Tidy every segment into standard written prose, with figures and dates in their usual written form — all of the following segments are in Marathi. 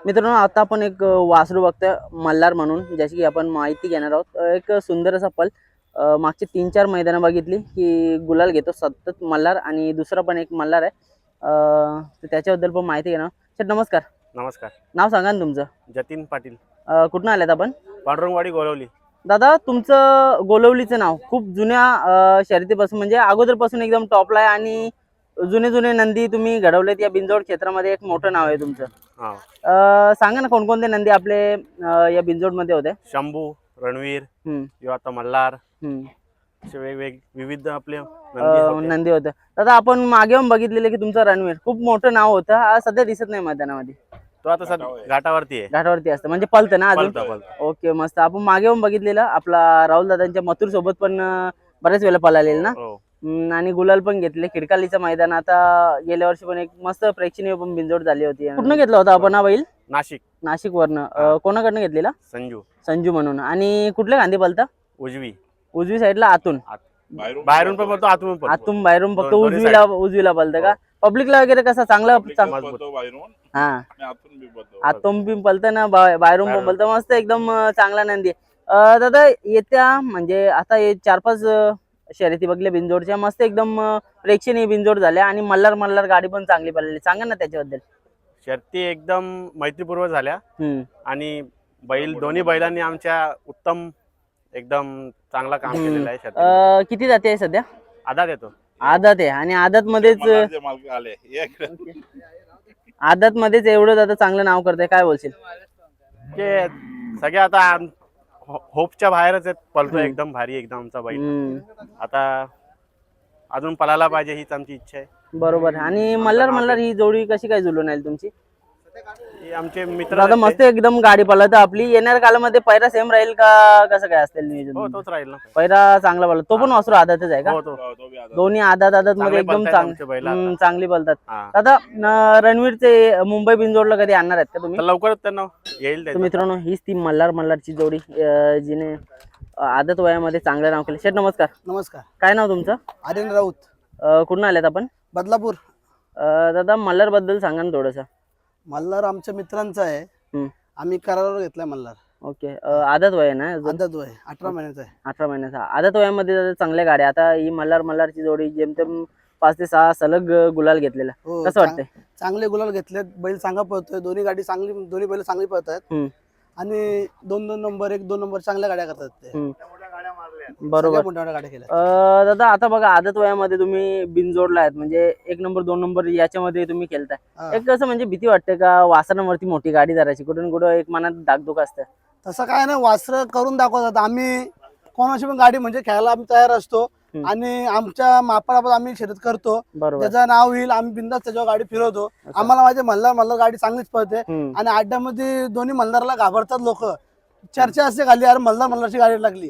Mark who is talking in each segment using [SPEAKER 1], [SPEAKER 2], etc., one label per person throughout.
[SPEAKER 1] मित्रांनो आता आपण एक वासरू बघतोय मल्हार म्हणून, ज्याची की आपण माहिती घेणार आहोत। एक सुंदर असा पल मागचे 3-4 मैदानं बघितली की गुलाल घेतो सतत मल्हार, आणि दुसरा पण एक मल्हार आहे। तर त्याच्याबद्दल पण माहिती घेणार। सर नमस्कार।
[SPEAKER 2] नमस्कार।
[SPEAKER 1] नाव सांगा ना तुमचं?
[SPEAKER 2] जतीन पाटील,
[SPEAKER 1] कुठून आलेत आपण?
[SPEAKER 2] पांडुरंगवाडी, गोळवली।
[SPEAKER 1] दादा तुमचं गोलवलीचं नाव खूप जुन्या शर्यतीपासून म्हणजे अगोदरपासून एकदम टॉपला आहे, आणि जुने जुने नंदी तुम्ही घडवलेत या बिंजोड क्षेत्रामध्ये, एक मोठं नाव आहे तुमचं।
[SPEAKER 2] हा,
[SPEAKER 1] सांगा ना कोणकोणते नंदी आपले या बिंजोड मध्ये होते?
[SPEAKER 2] शंभू, रणवीर
[SPEAKER 1] हम्म
[SPEAKER 2] किंवा आता मल्हार,
[SPEAKER 1] हम्म
[SPEAKER 2] असे वेगवेगळे विविध आपले नंदी होते।
[SPEAKER 1] नंदी होतं। दादा आपण मागे येऊन बघितलेलं की तुमचं रणवीर खूप मोठं नाव होतं, आज सध्या दिसत नाही मैदानामध्ये।
[SPEAKER 2] तो आता घाटावरती आहे।
[SPEAKER 1] घाटावरती असतं म्हणजे पळतं ना अजून?
[SPEAKER 2] पळतं।
[SPEAKER 1] ओके मस्त। आपण मागे येऊन बघितलेलं आपला राहुल दादांच्या मथुर सोबत पण बऱ्याच वेळेला पळालेलं ना।
[SPEAKER 2] हो।
[SPEAKER 1] आणि गुलाल पण घेतले। खिडकालीचं मैदान आता गेल्या वर्षी पण एक मस्त प्रेक्षणीय पण बिंजोड झाली होती। कुठनं घेतला होता आपण हा बैल?
[SPEAKER 2] नाशिक।
[SPEAKER 1] नाशिक वरनं कोणाकडनं घेतलेला?
[SPEAKER 2] संजू।
[SPEAKER 1] संजू म्हणून। आणि कुठल्या गांधी पळता?
[SPEAKER 2] उजवी।
[SPEAKER 1] उजवी साईडला आतून?
[SPEAKER 2] बाहेरून पण बोलतो, आतून पण।
[SPEAKER 1] आतून बाहेरून फक्त
[SPEAKER 2] दोन्ही
[SPEAKER 1] उजवीला पळतं का? पब्लिकला वगैरे कसं चांगलं हा आतून पण पळतं ना, बाहेरून पण पळतं, मस्त एकदम चांगला नंदी आहे। दादा येत्या म्हणजे आता हे 4-5 शर्यती बघल्या बिंजोडच्या, मस्त एकदम प्रेक्षणीय बिंजोड झाल्या, आणि मल्हार गाडी पण चांगली पळाली। सांगा ना त्याच्याबद्दल।
[SPEAKER 2] शर्ती एकदम मैत्रीपूर्वक झाल्या,
[SPEAKER 1] हम्म
[SPEAKER 2] आणि दोन्ही बैलांनी आमच्या उत्तम एकदम चांगला काम केलेलं आहे शर्ती।
[SPEAKER 1] किती जाते आहे सध्या?
[SPEAKER 2] आधार येतो।
[SPEAKER 1] आदत आहे, आणि आदत मध्येच एवढं दादा चांगलं नाव करतंय, काय बोलशील?
[SPEAKER 2] ते सगळे आता होपच्या बाहेरच आहेत, पळतो एकदम भारी एकदम आमचा बैल। आता अजून पळायला पाहिजे हीच आमची इच्छा आहे।
[SPEAKER 1] बरोबर। आणि मल्हार ही जोडी कशी काय जुळून आली तुमची?
[SPEAKER 2] आमचे मित्र
[SPEAKER 1] दादा मस्त एकदम गाडी पळत आपली। येणाऱ्या काळामध्ये पैरा सेम राहील का, कसं काय असेल नियोजन?
[SPEAKER 2] हो, तोच राहील ना।
[SPEAKER 1] पैरा चांगला पळत, तो पण वासरू आदतच आहे का?
[SPEAKER 2] हो,
[SPEAKER 1] दोन्ही आदत मध्ये एकदम चांगली पळतात।
[SPEAKER 2] हा।
[SPEAKER 1] दादा रणवीरचे मुंबई बिंजोडला कधी आणणार आहेत का तुम्ही?
[SPEAKER 2] तर लवकरच त्यांना येईल
[SPEAKER 1] तर मित्रांनो हीच ती मल्हारची जोडी जिने आदत वयामध्ये चांगलं नाव केलं। शेठ नमस्कार।
[SPEAKER 3] नमस्कार।
[SPEAKER 1] काय नाव तुमचं?
[SPEAKER 3] आर्यन राऊत,
[SPEAKER 1] कुठून आल्यात आपण?
[SPEAKER 3] बदलापूर।
[SPEAKER 1] दादा मल्हार बद्दल सांगा ना थोडंसं।
[SPEAKER 3] मल्हार आमच्या मित्रांचा आहे, आम्ही करारावर घेतलाय मल्हार।
[SPEAKER 1] ओके। आदत वय ना?
[SPEAKER 3] आदत वय 18 महिन्याचा आहे।
[SPEAKER 1] 18 महिन्याचा आदत वयामध्ये दादा चांगल्या गाड्या। आता ही मल्हारची जोडी जेमतेम 5 ते 6 सलग गुलाल घेतलेला, कसं वाटतंय?
[SPEAKER 3] चांगले गुलाल घेतलेत, बैल चांगला पळतोय, दोन्ही गाडी चांगली, दोन्ही बैल चांगली पळतात, आणि 2-2 नंबर 1-2 नंबर चांगल्या गाड्या करतात ते।
[SPEAKER 1] बरोबर।
[SPEAKER 3] मोठ्या गाड्या केल्या।
[SPEAKER 1] दादा आता बघा आदत वयामध्ये तुम्ही बिनजोडला आहेत, म्हणजे 1 नंबर 2 नंबर याच्यामध्ये तुम्ही खेळताय, एक कसं म्हणजे भीती वाटते का वासरांवरती मोठी गाडी धरायची? कुठून कुठं एक मनात धाकधूक असतं?
[SPEAKER 3] तसं काय नाही, वासर करून दाखवतात। आम्ही कोणाची पण गाडी म्हणजे खेळायला आम्ही तयार असतो, आणि आमच्या मापाला आम्ही शर्यत करतो। त्याचं नाव होईल, आम्ही बिंदास त्याच्यावर गाडी फिरवतो। आम्हाला माहिती मल्हार गाडी चांगलीच पळते, आणि अड्ड्यामध्ये दोन्ही मल्हारला घाबरतात लोक। चर्चा असते खाली, अरे मल्हारची गाडी लागली।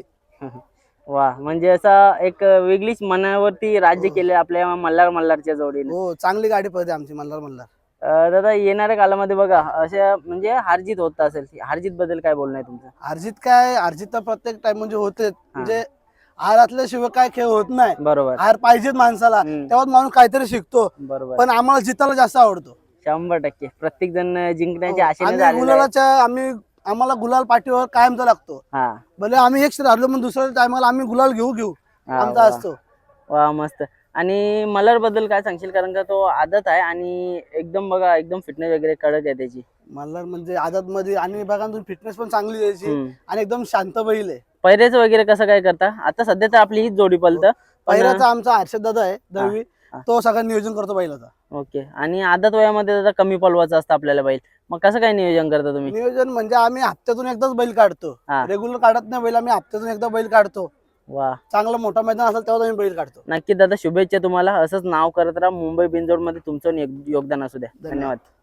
[SPEAKER 1] वा, म्हणजे असा एक वेगळीच मनावरती राज्य केले आपल्या मल्हारच्या जोडीने।
[SPEAKER 3] हो, चांगली गाडी पळते आमची मल्हार।
[SPEAKER 1] दादा येणाऱ्या काळामध्ये बघा अशा म्हणजे हारजीत होत असेल, हारजीत बद्दल काय बोलणं आहे तुमचं?
[SPEAKER 3] हारजीत तर प्रत्येक टाइम म्हणजे होते, म्हणजे हारातल्याशिवाय काय खेळ होत नाही।
[SPEAKER 1] बरोबर।
[SPEAKER 3] हार पाहिजेत माणसाला, तेव्हाच माणूस काहीतरी शिकतो।
[SPEAKER 1] बरोबर।
[SPEAKER 3] पण आम्हाला जितायला जास्त आवडतो।
[SPEAKER 1] 100% प्रत्येक जण जिंकण्याच्या आशेने झालेला आहे।
[SPEAKER 3] आम्हाला गुलाल पाठीवर कायमचा लागतो। भले आम्ही एक हरलो, पण दुसऱ्या टायमाला आम्ही गुलाल घेऊ आमचा असतो।
[SPEAKER 1] वा मस्त। आणि मल्हार बद्दल काय सांगशील? कारण का तो आदत आहे, आणि एकदम बघा एकदम फिटनेस वगैरे कडक आहे त्याची।
[SPEAKER 3] मल्हार म्हणजे आदत मध्ये, आणि बघा तुम्ही फिटनेस पण चांगली द्यायची, आणि एकदम शांत बैल आहे।
[SPEAKER 1] पैरेच वगैरे कसं काय करता? आता सध्या तर आपली हीच जोडी पळतं।
[SPEAKER 3] पैराचा आमचा हर्षद दादा आहे दळवी, तो सगळं नियोजन करतो बैलाचा।
[SPEAKER 1] ओके। आणि आदत वयामध्ये दादा कमी पळवायचं असतं आपल्याला बैल, मग कसं काय नियोजन करता तुम्ही?
[SPEAKER 3] नियोजन म्हणजे आम्ही हप्त्यातून एकदाच बैल काढतो, रेग्युलर काढत नाही बैल, आम्ही हप्त्यातून एकदा बैल काढतो।
[SPEAKER 1] वा,
[SPEAKER 3] चांगला मोठा मैदान असेल तेव्हा आम्ही बैल काढतो।
[SPEAKER 1] नक्की दादा, शुभेच्छा तुम्हाला, असंच नाव करत राहा। मुंबई बिनजोड मध्ये तुमचं योगदान असू द्या। धन्यवाद।